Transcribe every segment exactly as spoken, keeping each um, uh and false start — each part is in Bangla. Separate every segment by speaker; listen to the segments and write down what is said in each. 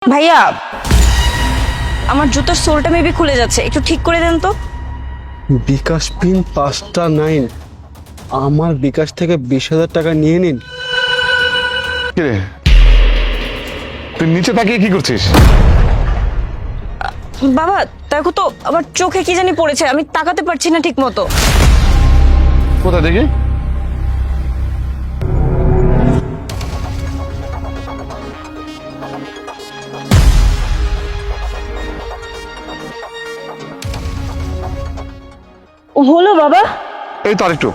Speaker 1: ভাইয়া আমার জুতোর সোলটা মেবি খুলে যাচ্ছে, একটু ঠিক করে দেন তো।
Speaker 2: বিকাশ পিন পাঁচটা নাইন, আমার বিকাশ থেকে বিশ হাজার টাকা নিয়ে নিন।
Speaker 3: কিরে তুই নিচে তাকিয়ে কি করছিস?
Speaker 1: বাবা দেখো তো আমার চোখে কি জানি পড়েছে, আমি তাকাতে পারছি না ঠিক মতো।
Speaker 3: কোথায় দেখি?
Speaker 1: হলো বাবা?
Speaker 3: এই তো আরেকটু।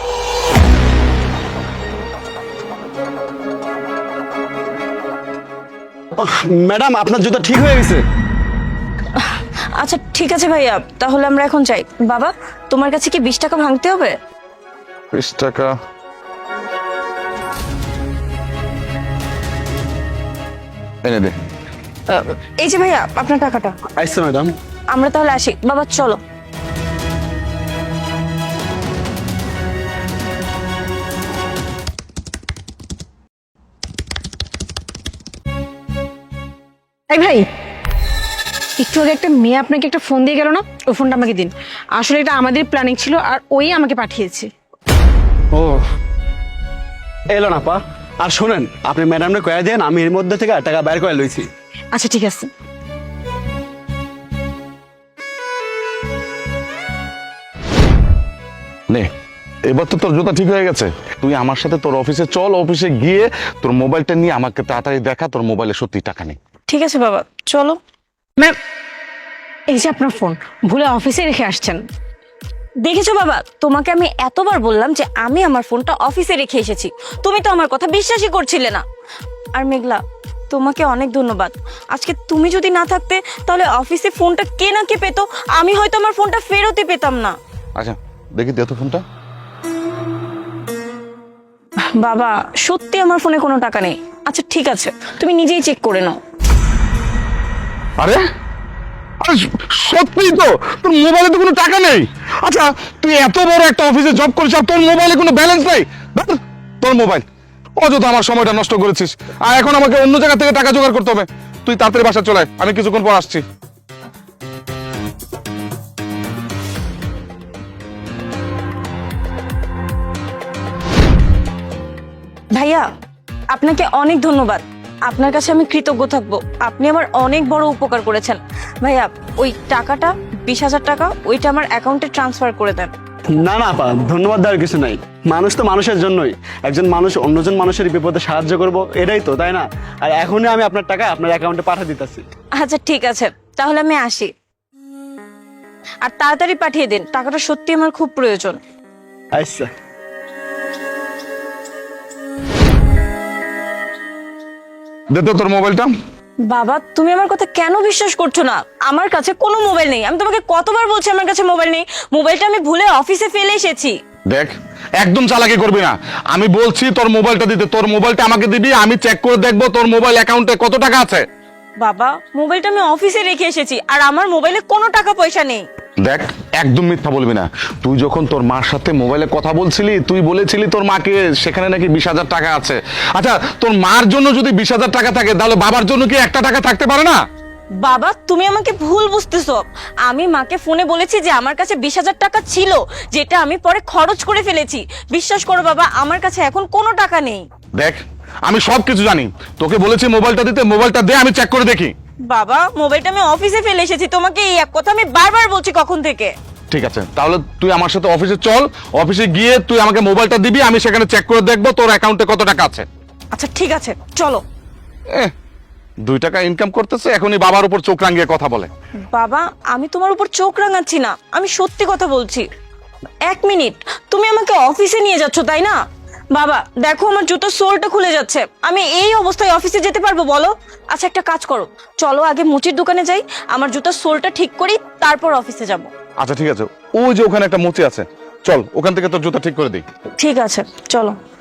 Speaker 2: ম্যাডাম আপনার জুতা ঠিক হয়ে গেছে।
Speaker 1: আচ্ছা ঠিক আছে ভাইয়া, তাহলে আমরা এখন যাই। বাবা তোমার কাছে কি বিশ টাকা ভাঙতে হবে?
Speaker 3: বিশ টাকা? এনে দে।
Speaker 1: আহ, এই যে ভাইয়া আপনার টাকাটা।
Speaker 2: আচ্ছা ম্যাডাম।
Speaker 1: আমরা তাহলে আসি, বাবা চলো।
Speaker 4: এই ভাই, একটু আগে একটা মেয়ে আপনাকে একটা ফোন দিয়ে গেল না, ওই ফোনটা আমাকে দিন। আসলে এটা আমাদের প্ল্যানিং ছিল আর ওই আমাকে পাঠিয়েছে।
Speaker 2: ও এলো না পা। আর শোনেন, আপনি ম্যাডামকে কয়ে দেন আমি এর মধ্যে থেকে টাকা বের করে লইছি।
Speaker 4: আচ্ছা ঠিক আছে।
Speaker 3: নে, এবার তো তোর জুতা ঠিক হয়ে গেছে। তুই আমার সাথে তোর অফিসে চল, অফিসে গিয়ে তোর মোবাইলটা নিয়ে আমাকে তাড়াতাড়ি দেখা তোর মোবাইলে সত্যি টাকা নেই।
Speaker 1: ঠিক আছে বাবা চলো।
Speaker 4: ম্যাম এই যে আপনার ফোন ভুলে অফিসে রেখে আসছেন।
Speaker 1: দেখেছো বাবা, তোমাকে আমি এতবার বললাম যে আমি আমার ফোনটা অফিসে রেখে এসেছি, তুমি তো আমার কথা বিশ্বাসই করছিলে না। আর মেঘলা তোমাকে অনেক ধন্যবাদ। আজকে তুমি যদি না থাকতে তাহলে অফিসে ফোনটা কে না কে পেতো, আমি হয়তো আমার ফোনটা ফেরতই পেতাম না।
Speaker 3: আচ্ছা দেখি দে তো ফোনটা।
Speaker 1: বাবা সত্যি আমার ফোনে কোনো টাকা নেই। আচ্ছা ঠিক আছে, তুমি নিজেই চেক করে নাও।
Speaker 3: আরে আরে সত্যি তো তোর মোবাইলে তো কোনো টাকা নেই। আচ্ছা তুই এত বড় একটা অফিসে জব করিস আর তোর মোবাইলে কোনো ব্যালেন্স নেই? ধুর, তোর মোবাইল অযথা আমার সময়টা নষ্ট করেছিস। আর এখন আমাকে অন্য জায়গা থেকে টাকা জোগাড় করতে হবে। তুই তাড়াতাড়ি বাসা চলে আয়, আমি কিছুক্ষণ পর আসছি।
Speaker 1: ভাইয়া আপনাকে অনেক ধন্যবাদ, আপনার কাছে আমি কৃতজ্ঞ থাকবো। আপনি আমার অনেক বড় উপকার করেছেন। ভাইয়া ওই টাকাটা বিশ হাজার টাকা ওইটা আমার অ্যাকাউন্টে ট্রান্সফার করে দেন।
Speaker 2: না না পা, ধন্যবাদ দেওয়ার কিছু নাই। মানুষ তো মানুষের জন্যই, একজন মানুষ অন্যজন মানুষের বিপদে সাহায্য করব, এটাই তো, তাই না? আর এখনই আমি আপনার টাকা আপনার অ্যাকাউন্টে পাঠিয়ে দিতেছি।
Speaker 1: আচ্ছা ঠিক আছে, তাহলে আমি আসি। আর তাড়াতাড়ি পাঠিয়ে দিন, টাকাটা সত্যি আমার খুব প্রয়োজন।
Speaker 2: আচ্ছা।
Speaker 3: দে তো তোর মোবাইলটা।
Speaker 1: বাবা তুমি আমার কথা কেন বিশ্বাস করছো না? আমার কাছে কোনো মোবাইল নেই। আমি তোমাকে কতবার বলছি আমার কাছে মোবাইল নেই। মোবাইলটা আমি ভুলে অফিসে ফেলে এসেছি।
Speaker 3: দেখ একদম চালাকি করবি না, আমি বলছি তোর মোবাইলটা দিতে। তোর মোবাইলটা আমাকে দিবি, আমি চেক করে দেখবো তোর মোবাইল অ্যাকাউন্টে কত টাকা আছে।
Speaker 1: বাবা মোবাইলটা আমি অফিসে রেখে এসেছি আর আমার মোবাইলে কোনো টাকা পয়সা নেই।
Speaker 3: দেখ একদম মিথ্যা বলবি না। তুই যখন তোর মার সাথে মোবাইলে কথা বলছিলি তুই বলেছিলি তোর মাকে সেখানে নাকি বিশ হাজার টাকা আছে। আচ্ছা তোর মার জন্য যদি বিশ হাজার টাকা থাকে তাহলে বাবার জন্য কি একটা টাকা থাকতে পারে না?
Speaker 1: বাবা তুমি আমাকে ভুল বুঝতেছো। আমি মাকে ফোনে বলেছি যে আমার কাছে বিশ হাজার টাকা ছিল, যেটা আমি পরে খরচ করে ফেলেছি। বিশ্বাস করো বাবা, আমার কাছে এখন কোনো টাকা নেই।
Speaker 3: দেখ আমি সব কিছু জানি, তোকে বলেছি মোবাইলটা দিতে, মোবাইলটা দে আমি চেক করে দেখি।
Speaker 1: বাবা মোবাইলটা আমি অফিসে ফেলে এসেছি, তোমাকে এই এক কথা আমি বারবার বলছি কখন থেকে।
Speaker 3: ঠিক আছে তাহলে তুই আমার সাথে অফিসে চল, অফিসে গিয়ে তুই আমাকে মোবাইলটা দিবি, আমি সেখানে চেক করে দেখবো তোর অ্যাকাউন্টে কত টাকা আছে।
Speaker 1: আচ্ছা ঠিক আছে চলো।
Speaker 3: এহ, দুই টাকা ইনকাম করতেছে, এখনই বাবার উপর চোখ রাঙিয়ে কথা বলে।
Speaker 1: বাবা আমি তোমার উপর চোখ রাঙাচ্ছি না, আমি সত্যি কথা বলছি। এক মিনিট, তুমি আমাকে অফিসে নিয়ে যাচ্ছ তাই না? বাবা দেখো আমার জুতোর সোলটা খুলে যাচ্ছে, আমি এই অবস্থায় অফিসে যেতে পারবো বলো? আচ্ছা একটা কাজ করো, চলো আগে মুচির দোকানে যাই, আমার জুতোর সোলটা ঠিক করি, তারপর অফিসে যাব।
Speaker 3: আচ্ছা ঠিক আছে, ওই যে ওখানে একটা মুচি আছে, চল ওখান থেকে তোর জুতা ঠিক করে দিই।
Speaker 1: ঠিক আছে চলো।